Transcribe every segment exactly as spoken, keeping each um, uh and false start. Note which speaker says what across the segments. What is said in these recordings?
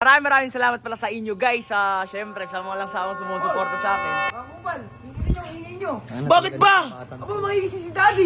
Speaker 1: Maraming maraming salamat pala sa inyo guys. Uh, Siyempre sa mga lang samang sumusuporta sa akin.
Speaker 2: Mga kupal, hingin nyo, hingin nyo.
Speaker 1: Bakit ba?
Speaker 2: Aba, mahigising si Daddy.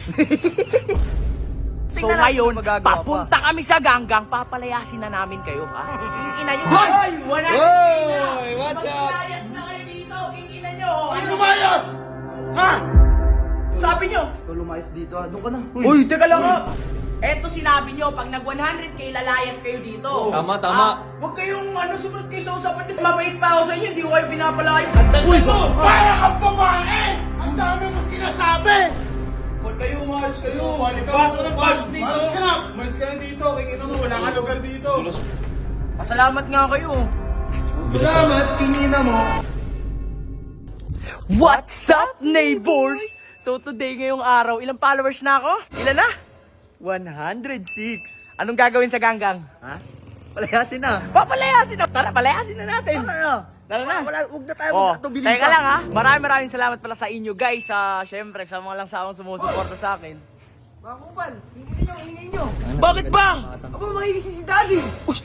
Speaker 1: So
Speaker 2: Tingnan natin
Speaker 1: ngayon,
Speaker 2: kung magagawa
Speaker 1: papunta kami sa ganggang, papalayasin na namin kayo ha. King ina nyo.
Speaker 2: Hoy!
Speaker 1: Hoy! Wala
Speaker 2: Hoy! What's up?
Speaker 1: Magsilayas na kayo dito, king ina nyo.
Speaker 3: Ay, lumayas! Ha?
Speaker 1: Sabi nyo?
Speaker 2: Ikaw lumayas dito ha, doon ka na.
Speaker 1: Uy, teka lang ha. Eto sinabi nyo, pag nag one hundred k lalayas kayo dito.
Speaker 3: Tama, tama.
Speaker 1: Ah, huwag kayong ano, sumunod kayo sa usapan kasi mabait pa ako sa inyo, hindi ko kayo pinapalayas.
Speaker 3: Uy, para kang babae! Ang dami mo sinasabi!
Speaker 4: Huwag kayo, umalis kayo.
Speaker 1: Pasok na, pasok dito.
Speaker 3: Malas ka na!
Speaker 4: Umalis ka na dito. Kaya mo, wala kang lugar dito.
Speaker 1: Pasalamat nga kayo.
Speaker 4: Salamat, kinina mo.
Speaker 1: What's up, neighbors? So today, ngayong araw, ilang followers na ako? Ilan na?
Speaker 2: one hundred six.
Speaker 1: Anong gagawin sa ganggang?
Speaker 2: Ha? Palayasin na.
Speaker 1: Papalayasin na! Tara, palayasin na natin!
Speaker 2: Ano na?
Speaker 1: Tara na!
Speaker 2: Wala, huwag na tayo
Speaker 1: Oh,
Speaker 2: magkatubilin
Speaker 1: teka lang ha. Maraming maraming salamat pala sa inyo guys. Uh, Siyempre, sa mga lang samang sumusuporta sa akin.
Speaker 2: Mga kupal, hingin nyo, hingin nyo.
Speaker 1: Bakit bang?
Speaker 2: Aba, mahigising si Daddy.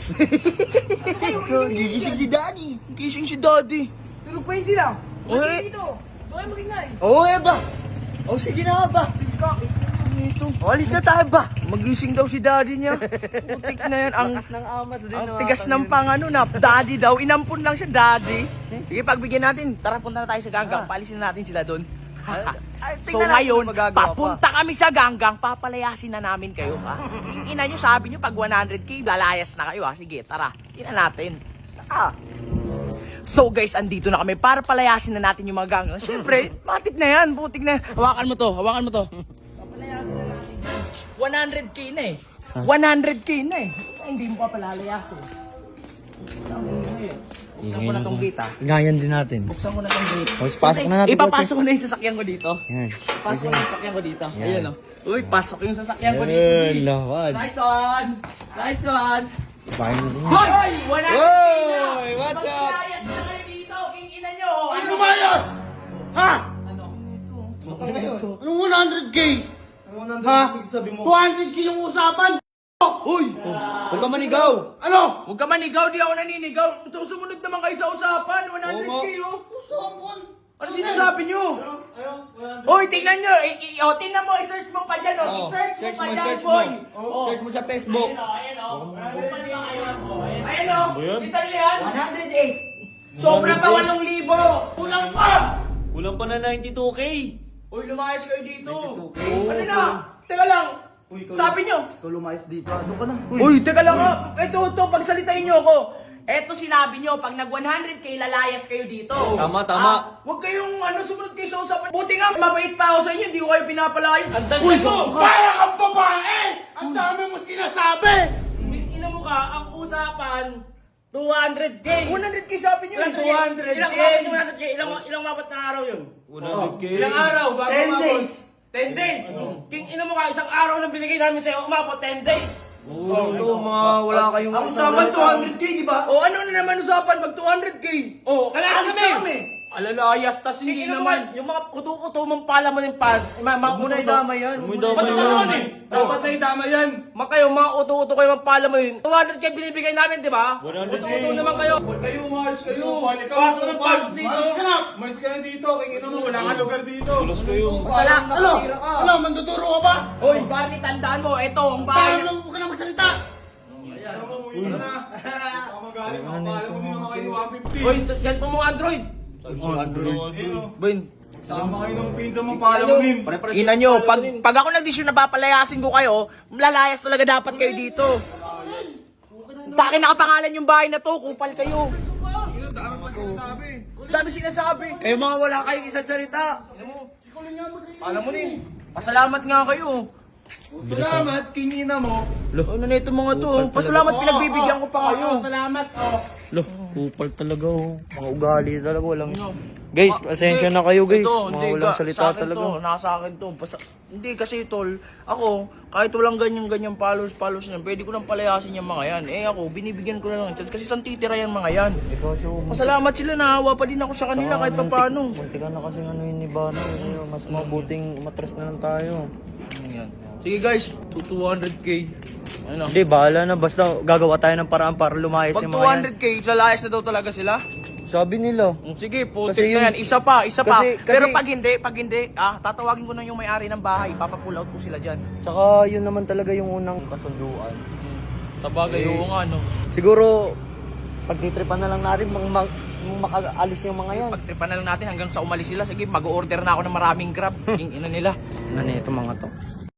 Speaker 1: So, gigising si Daddy. Gising si Daddy.
Speaker 2: Tulog pa yun sila.
Speaker 1: Uy.
Speaker 2: Uy! Dito. Doon kayo magingay.
Speaker 1: Oo, oh, eh ba? O, oh, sige na nga ba?
Speaker 2: Ito.
Speaker 1: O, alis na tayo ba? Magising daw si Daddy niya. Putik na yan. Ang,
Speaker 2: Ang ng amas din.
Speaker 1: ang tigas ng pang ano na. Daddy daw. Inampun lang siya, Daddy. Sige, pagbigyan natin. Tara, punta na tayo sa ganggang. Palisin na natin sila doon.
Speaker 2: Ay,
Speaker 1: So
Speaker 2: tingnan natin
Speaker 1: ngayon,
Speaker 2: kung magagawa pa.
Speaker 1: papunta kami sa ganggang, papalayasin na namin kayo ha. Ina nyo, sabi nyo pag one hundred k, lalayas na kayo ha. Sige, tara, ina natin.
Speaker 2: Ah,
Speaker 1: So guys, andito na kami para palayasin na natin yung mga ganggang. Siyempre, matip na yan, putik na yan. Hawakan mo to, hawakan mo to. Papalayasin na natin yan. one hundred k na eh. one hundred k na eh. Ay, hindi mo pa palalayasin. Buksan ko na tong gate ha.
Speaker 2: Ingayan din natin.
Speaker 1: Buksan ko na tong gate.
Speaker 2: O, pasok na natin,
Speaker 1: Ipapasok ko na yung sasakyan ko dito.
Speaker 2: Yan.
Speaker 1: Pasok yung sasakyan ko dito. Ayan o. Uy, pasok yung sasakyan ko
Speaker 2: Yan,
Speaker 1: dito.
Speaker 2: lawan.
Speaker 1: Nice one! Nice one!
Speaker 2: Bahay mo din.
Speaker 1: Hoy! Wala na
Speaker 2: Hoy! What's up?
Speaker 1: Magsilayas na kayo dito, king ina nyo!
Speaker 3: Ay, lumayas! Ha?
Speaker 1: Ano?
Speaker 3: Anong one hundred k? Ha? two hundred k yung usapan?
Speaker 1: Uy!
Speaker 2: Huwag ka manigaw.
Speaker 3: Ano?
Speaker 1: Huwag ka manigaw, di ako naninigaw. Ito, sumunod naman kayo sa usapan. one hundred k oh.
Speaker 3: Usapan?
Speaker 1: Ano sinasabi nyo? Uy, tingnan nyo. I- i- oh, tingnan mo, i-search mo pa dyan. Oh. I-search mo pa dyan, boy. Oh.
Speaker 2: Search mo sa Facebook.
Speaker 1: Ayan o, ayan o. Kupal ba kayo? Oh, ayan. Ayan o. Kita nyo yan?
Speaker 2: one hundred eight.
Speaker 1: Sobra pa walong libo.
Speaker 3: Kulang pa!
Speaker 2: Kulang pa na ninety-two k.
Speaker 1: Uy, lumayas kayo dito.
Speaker 2: ninety-two K.
Speaker 1: Ano na? Teka lang. Sabi nyo.
Speaker 2: Ikaw lumayas dito ha, doon ka na.
Speaker 1: Uy, teka lang ha. Ito, ito, pagsalitain nyo ako. Eto sinabi nyo, pag nag one hundred k lalayas kayo dito.
Speaker 2: Tama, tama.
Speaker 1: Ah, huwag kayong ano, sumunod kayo sa usapan. Buti nga, mabait pa ako sa inyo, hindi ko kayo pinapalayas. Ang
Speaker 3: Uy, para kang babae! Ang dami mo sinasabi!
Speaker 1: Ina mo ka, ang usapan, two hundred k. one hundred k sabi nyo.
Speaker 4: two hundred K.
Speaker 1: Ilang mapat two hundred k? Ilang, ilang mapat na araw yun?
Speaker 2: one hundred k.
Speaker 4: Ilang araw bago
Speaker 2: ten
Speaker 4: umabot?
Speaker 2: days.
Speaker 1: ten days. King ina mo ka, isang araw lang binigay namin sa'yo, umabot ten days.
Speaker 2: Oo, ito, mga wala kayong...
Speaker 4: Ang usapan two hundred K, di ba?
Speaker 1: O ano na naman usapan pag two hundred k? O,
Speaker 4: Lalayas
Speaker 1: alis
Speaker 4: kami.
Speaker 1: na kami. Alalayas, tas hindi naman. Yung mga uto-uto mong pala mo yung pas. Mga mga
Speaker 2: Huwag mo na
Speaker 1: uto-uto.
Speaker 2: idama yan. Huwag mo na
Speaker 3: Ba't
Speaker 2: idama
Speaker 3: naman
Speaker 2: yan.
Speaker 3: eh?
Speaker 4: Dapat na idama yan.
Speaker 1: Mga kayo, mga uto-uto kayo mga pala mo yun. two hundred k binibigay namin, di ba?
Speaker 2: one hundred K.
Speaker 1: Uto-uto naman kayo.
Speaker 4: Huwag kayo, umalis kayo.
Speaker 1: Pasok na, pasok dito.
Speaker 3: Malas ka na!
Speaker 4: Umalis ka na dito. Kaya mo, wala kang lugar dito.
Speaker 2: kayo.
Speaker 1: Masala.
Speaker 3: Ano? Ano? Manduduro ka ba?
Speaker 1: Hoy, Barney, tandaan mo, ito ang
Speaker 3: Para
Speaker 1: bahay na...
Speaker 3: lang huwag ka na magsalita!
Speaker 4: Uy na. Baka magaling ako. Kala mo din naman kayo one fifty.
Speaker 1: Hoy, cellphone mo Android.
Speaker 2: Boy,
Speaker 4: Sama kayo ng pinsan mong pala mo din.
Speaker 1: Ina nyo, pag, pag ako nag-desisyon na papalayasin ko kayo, lalayas talaga dapat kayo dito. Sa akin nakapangalan yung bahay na to, kupal kayo.
Speaker 4: Dami pa sinasabi.
Speaker 1: Dami sinasabi.
Speaker 2: eh mga wala kayong isang salita.
Speaker 1: Alam mo din, pasalamat nga kayo.
Speaker 4: Salamat, kinina mo.
Speaker 1: Ano na ito mga to? Pasalamat pinagbibigyan ko pa kayo.
Speaker 3: Salamat! Oh.
Speaker 2: Loh, kupal talaga oh. Mga ugali talaga, walang... Guys, pasensya na kayo guys.
Speaker 1: Ito,
Speaker 2: Mga
Speaker 1: hindi,
Speaker 2: walang
Speaker 1: ka-
Speaker 2: salita
Speaker 1: sa akin
Speaker 2: talaga.
Speaker 1: To, nasa akin to. Basta, hindi kasi tol, ako, kahit walang ganyan-ganyan followers, followers yan, pwede ko lang palayasin yung mga yan. Eh ako, binibigyan ko na lang. Kasi saan titira yan mga yan?
Speaker 2: Eh kasi oh,
Speaker 1: Pasalamat sila, nahawa pa din ako sa kanila kahit pa paano.
Speaker 2: Muntik ka na kasi ano yun ni Bano. eh. Mas mabuting matras na lang tayo.
Speaker 1: Yan. Sige guys, to two hundred k. Ano?
Speaker 2: Hindi, bahala na. Basta gagawa tayo ng paraan para lumayas
Speaker 1: Pag
Speaker 2: yung mga
Speaker 1: two
Speaker 2: yan.
Speaker 1: hundred K, lalayas na daw talaga sila.
Speaker 2: Sabi nila.
Speaker 1: Mm, Sige, putik
Speaker 2: Kasi
Speaker 1: na
Speaker 2: yung-
Speaker 1: yan. Isa pa, isa pa.
Speaker 2: Kasi-
Speaker 1: Pero
Speaker 2: kasi-
Speaker 1: pag hindi, pag hindi, ah, tatawagin ko na yung may-ari ng bahay. Ipapapull out ko sila dyan.
Speaker 2: Tsaka yun naman talaga yung unang kasunduan.
Speaker 1: Sabagay,
Speaker 2: Eh,
Speaker 1: oo nga, no.
Speaker 2: Siguro, pagtitripan na lang natin mang, mag, mang makaalis yung mga yan.
Speaker 1: Pagtripan na lang natin hanggang sa umalis sila. Sige, mag-order na ako ng maraming grab. Yung ina nila.
Speaker 2: Ano ito mga to?